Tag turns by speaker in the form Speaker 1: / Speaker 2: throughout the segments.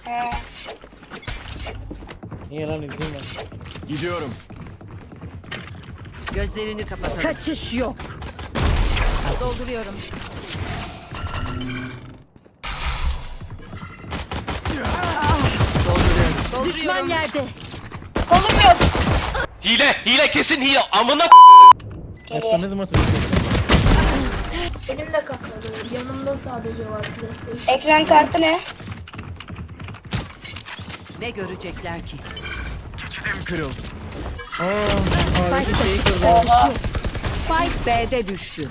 Speaker 1: He.
Speaker 2: Niye lan izleyeyim ben.
Speaker 3: Gidiyorum.
Speaker 4: Gözlerini kapatalım.
Speaker 5: Kaçış yok.
Speaker 4: Dolduruyorum. Dolduruyorum.
Speaker 5: Düşman yerde.
Speaker 1: Kolum yok.
Speaker 6: Hile kesin hile amına
Speaker 2: Efsane ne zaman söyleyeceksin?
Speaker 7: Elimde kasmadı. Yanımda sadece var PlayStation.
Speaker 1: Ekran kartı ne?
Speaker 4: Ne görecekler ki?
Speaker 3: Kırıl.
Speaker 2: Harika şeyi kırdı.
Speaker 1: Oha.
Speaker 4: Spike B'de düştü.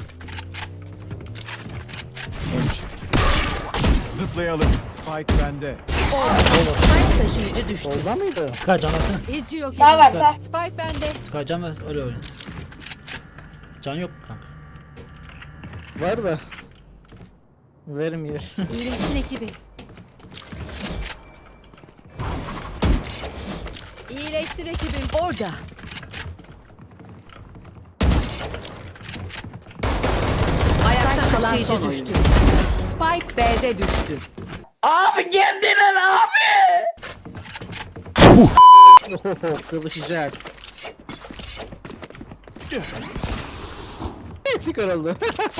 Speaker 3: Zıplayalım. Spike bende.
Speaker 4: Spike taşıyıcı düştü.
Speaker 2: Solda mıydı?
Speaker 8: Sky can versene.
Speaker 4: İzliyor.
Speaker 1: Sağ var sağ.
Speaker 4: Spike bende.
Speaker 8: Sky can ver öyle oyna. Can yok kanka.
Speaker 2: Var da. Vermiyor.
Speaker 5: İyileşsin ekibi. İyileşsin ekibim.
Speaker 4: Orada. Ayakta kalan
Speaker 5: taşıyıcı
Speaker 4: son
Speaker 5: düştü.
Speaker 4: oyuncu. Spike B'de düştü.
Speaker 2: Oho kıvışacak. Hepsi kırıldı.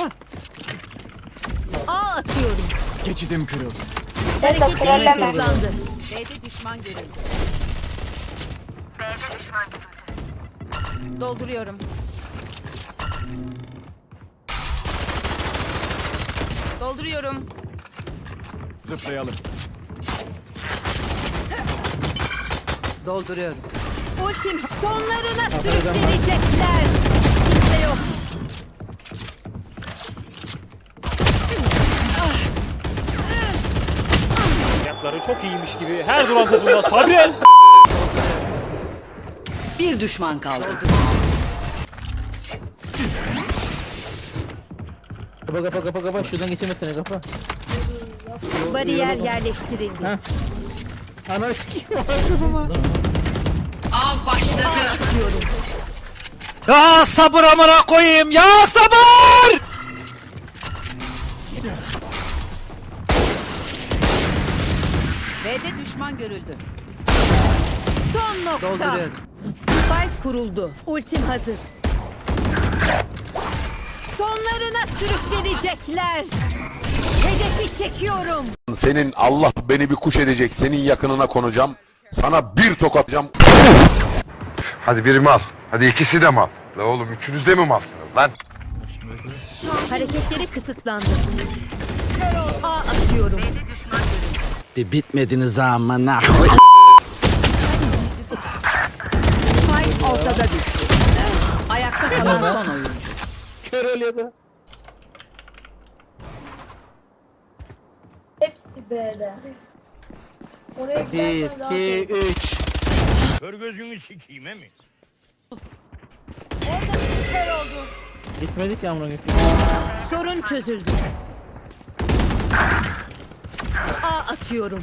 Speaker 5: A atıyorum.
Speaker 3: Geçidim kırıl.
Speaker 1: Sen de trolleme.
Speaker 5: Kısıtlandı.
Speaker 4: B'de düşman görüldü. Dolduruyorum. Dolduruyorum.
Speaker 3: Zıplayalım.
Speaker 4: Dolduruyorum.
Speaker 5: Ultim sonlarına sürükleyecekler. Kimse yok.
Speaker 9: Ayakları çok iyiymiş gibi her duran topunda Sabrel.
Speaker 4: Bir düşman kaldı.
Speaker 2: Kapa şuradan geçemezsene kapa.
Speaker 5: Bariyer yerleştirildi.
Speaker 2: Ha. Ananı sikeyim.
Speaker 4: Av başladı.
Speaker 5: Atıyorum.
Speaker 6: Ya sabır amına koyayım ya sabır!
Speaker 4: B'de düşman görüldü.
Speaker 5: Son nokta.
Speaker 4: Dolduruyorum.
Speaker 5: Spike kuruldu. Ultim hazır. Sonlarına sürüklenecekler. Hedefi çekiyorum.
Speaker 10: Senin Allah beni bir kuş edecek. Senin yakınına konacağım. Sana bir tokatacağım.
Speaker 11: Hadi biri mal. Hadi ikisi de mal. La oğlum üçünüz de mi malsınız lan?
Speaker 5: Hareketleri kısıtlandı. A atıyorum.
Speaker 12: Bir bitmediniz amına.
Speaker 4: Spike ortada düştü. Ayakta kalan son oyuncu.
Speaker 2: Kör oluyordu.
Speaker 7: Hepsi B'de. Oraya
Speaker 2: 1,
Speaker 7: gidersen rahat
Speaker 2: 2,
Speaker 7: ol.
Speaker 2: 3.
Speaker 9: Kör gözünü sikeyim mi?
Speaker 2: Gitmedik ya amına koyayım.
Speaker 5: Sorun çözüldü. A atıyorum.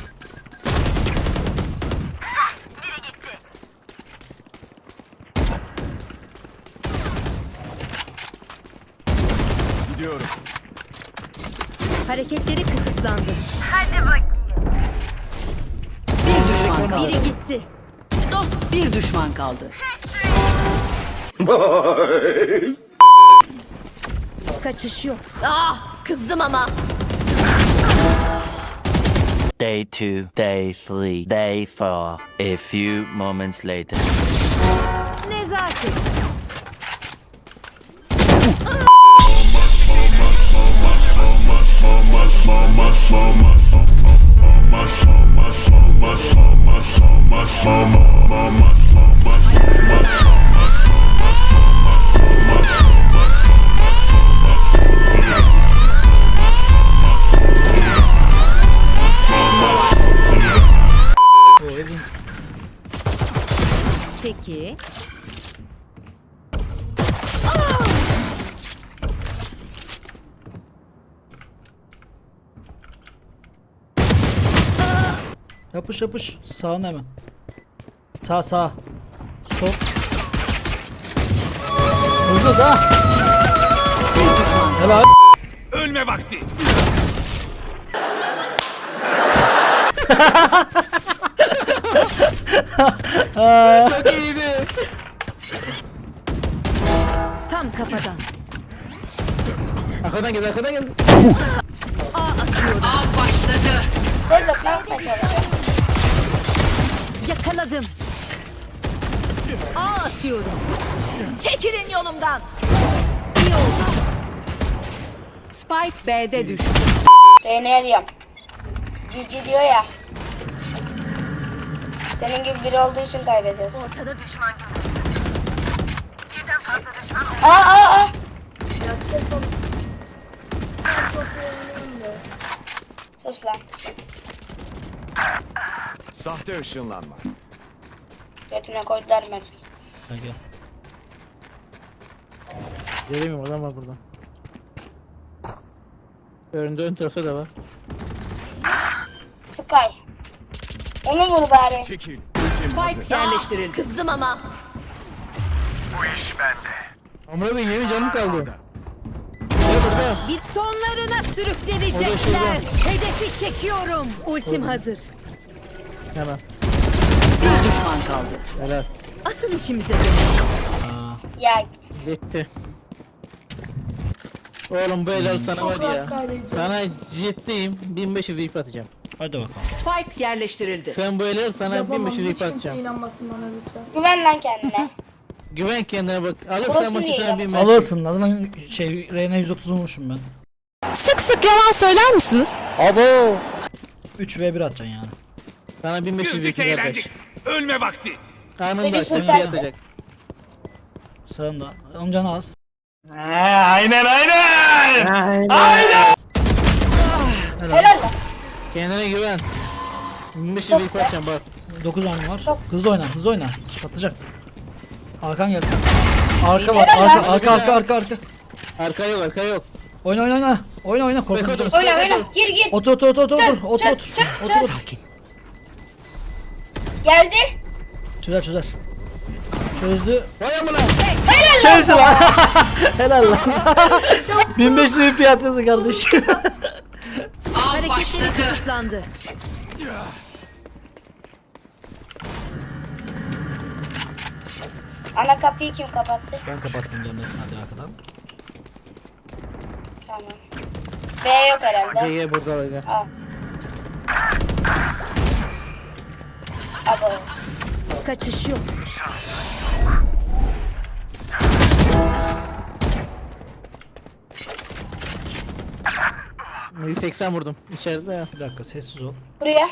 Speaker 3: Gidiyorum.
Speaker 5: Hareketleri kısıtlandı.
Speaker 4: Bir düşman kaldı.
Speaker 5: Biri gitti.
Speaker 4: Bir düşman kaldı.
Speaker 5: Kaçış yok. Ah, kızdım ama.
Speaker 12: Day 2, day 3, day 4. A few moments later.
Speaker 5: Nezaket. Peki.
Speaker 8: Yapış yapış. Sağına hemen. Sağ sağ. Sol. Hızlı da. Helal.
Speaker 9: Ölme vakti.
Speaker 2: Çok iyiydi.
Speaker 4: Tam kafadan.
Speaker 2: Arkadan gel, arkadan gel.
Speaker 4: Av başladı.
Speaker 1: Deadlock ne yapmaya çalışıyor?
Speaker 4: Yakaladım. Atıyorum. Çekilin yolumdan. İyi oldu. Spike B'de düştü.
Speaker 1: Reyna'ya diyorum. GG diyor ya. Senin gibi biri olduğu için kaybediyorsun.
Speaker 5: Ortada düşman.
Speaker 1: Aa.
Speaker 7: Çok yoğunluğum da.
Speaker 1: Sus lan.
Speaker 3: Sahte ışınlanma.
Speaker 1: Götüne koydular mermiyi.
Speaker 8: Kanka.
Speaker 2: Gelemiyorum, adam var buradan. Önünde ön tarafta da var.
Speaker 1: Sky. Onu vur bari.
Speaker 3: Çekil. Ultim hazır.
Speaker 4: Spike yerleştirildi.
Speaker 5: Kızdım ama.
Speaker 2: Amına koyayım, yemin canım kaldı. Gel burada.
Speaker 4: Bir sonlarına
Speaker 2: Orada
Speaker 4: sürüklenecekler.
Speaker 2: şurada.
Speaker 4: Hedefi çekiyorum. Ultim hazır.
Speaker 2: Hemen.
Speaker 4: Bir düşman kaldı.
Speaker 2: Helal.
Speaker 4: Asıl işimize dönelim.
Speaker 1: Ya
Speaker 2: Bitti. Oğlum bu helal sana var
Speaker 7: Çok rahat
Speaker 2: ya.
Speaker 7: kaybedeceğiz.
Speaker 2: Sana ciddiyim, 1500 VIP atacağım.
Speaker 8: Hadi bakalım.
Speaker 4: Spike yerleştirildi.
Speaker 2: Sen bu helal sana
Speaker 7: Yapamam.
Speaker 2: 1500
Speaker 7: Hiç
Speaker 2: VIP
Speaker 7: kimse
Speaker 2: atacağım.
Speaker 7: inanmasın bana lütfen.
Speaker 1: güven lan kendine.
Speaker 2: Güven kendine bak. Alırsan
Speaker 1: Burası
Speaker 2: maçı
Speaker 1: niye
Speaker 2: sana
Speaker 1: ya?
Speaker 2: 1500.
Speaker 8: Alırsın. Adından Reyna 130 vurmuşum ben.
Speaker 5: Sık sık yalan söyler misiniz?
Speaker 8: 3v1 atacaksın yani.
Speaker 2: Sana 1500 VIP yapacak.
Speaker 3: Ölme vakti.
Speaker 2: Karnını da
Speaker 1: Seni
Speaker 2: açacak,
Speaker 1: sultan.
Speaker 2: atacak.
Speaker 8: Sağında. Onun canı az.
Speaker 1: Helal lan.
Speaker 2: Kendine güven. 1500 VIP atacağım bak.
Speaker 8: 9 canım var. Hızlı oyna, hızlı oyna. Patlayacak. Arkan geldi. Arka var,
Speaker 1: Helal lan.
Speaker 8: arka.
Speaker 2: Arka yok, arka yok.
Speaker 8: Oyna. Oyna, korkma.
Speaker 2: Bek otur.
Speaker 1: Oyna. Gir.
Speaker 8: Otur.
Speaker 1: Çöz. Geldi.
Speaker 8: Çözer. Çözdü.
Speaker 2: Vay amına.
Speaker 8: Çözdü lan. Helal lan. 1500 VP atıyorsun kardeşim.
Speaker 4: Av başladı. Kısıtlandı.
Speaker 1: Ana kapıyı kim kapattı?
Speaker 8: Ben kapattım dönmesin hadi arkadan.
Speaker 1: Tamam. B yok herhalde.
Speaker 2: Gel burada var gel.
Speaker 1: Al. Abo.
Speaker 4: Kaçış yok.
Speaker 2: Hı. 180 vurdum içeride ya.
Speaker 8: Bir dakika sessiz ol.
Speaker 1: Buraya.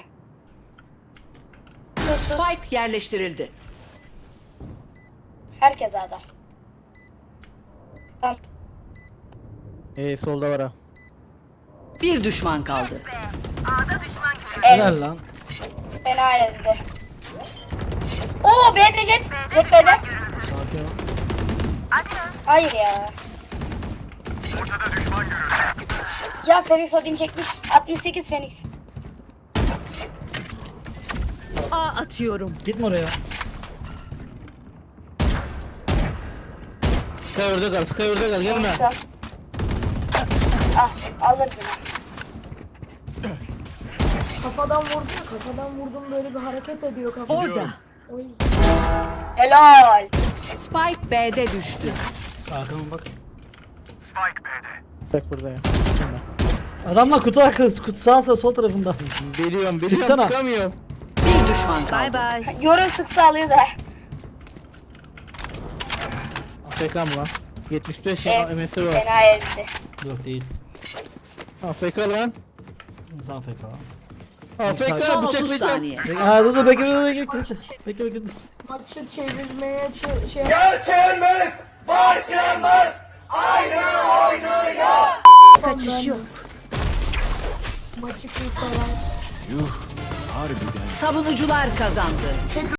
Speaker 1: Sus.
Speaker 4: Spike yerleştirildi.
Speaker 1: Herkes adam. Tamam.
Speaker 2: Solda var ha.
Speaker 4: Bir düşman kaldı.
Speaker 8: Helal
Speaker 1: Ez.
Speaker 8: lan.
Speaker 1: Fena ezdi. Oo B'de jet. Jet B'de.
Speaker 8: Sakin ol.
Speaker 1: Hayır ya. Ya Phoenix Odin çekmiş. 68 Phoenix.
Speaker 4: A atıyorum.
Speaker 8: Gitme oraya.
Speaker 2: Sky orada kal, gelme.
Speaker 1: Phoenix al. Ah alırdın.
Speaker 7: Kafadan vurdum böyle bir hareket ediyor kafa.
Speaker 4: Orada.
Speaker 7: O yüzden.
Speaker 1: Helal.
Speaker 4: Spike B'de düştü.
Speaker 8: Arkama bak.
Speaker 2: Bak burada ya.
Speaker 8: Adamlar kutu arkası, kutu sağ sol tarafında.
Speaker 2: Biliyorum,
Speaker 8: Sıksana.
Speaker 2: çıkamıyorum.
Speaker 4: Bir düşman kaldı. Bay bay.
Speaker 1: Yoru sıksa alıyor da.
Speaker 2: AFK mı lan? 75
Speaker 1: Ez.
Speaker 2: MS'i var.
Speaker 1: Fena ezdi.
Speaker 8: Yok değil.
Speaker 2: AFK lan.
Speaker 8: Sağ FK lan.
Speaker 2: AFK
Speaker 4: Son 30
Speaker 2: bıçaklayacağım.
Speaker 4: saniye.
Speaker 8: Ha dur bekle.
Speaker 7: Maçı çevirmeye şey
Speaker 4: Kaçış yok.
Speaker 7: maçı kurtaran.
Speaker 3: Yuh. Harbiden.
Speaker 4: Savunucular kazandı.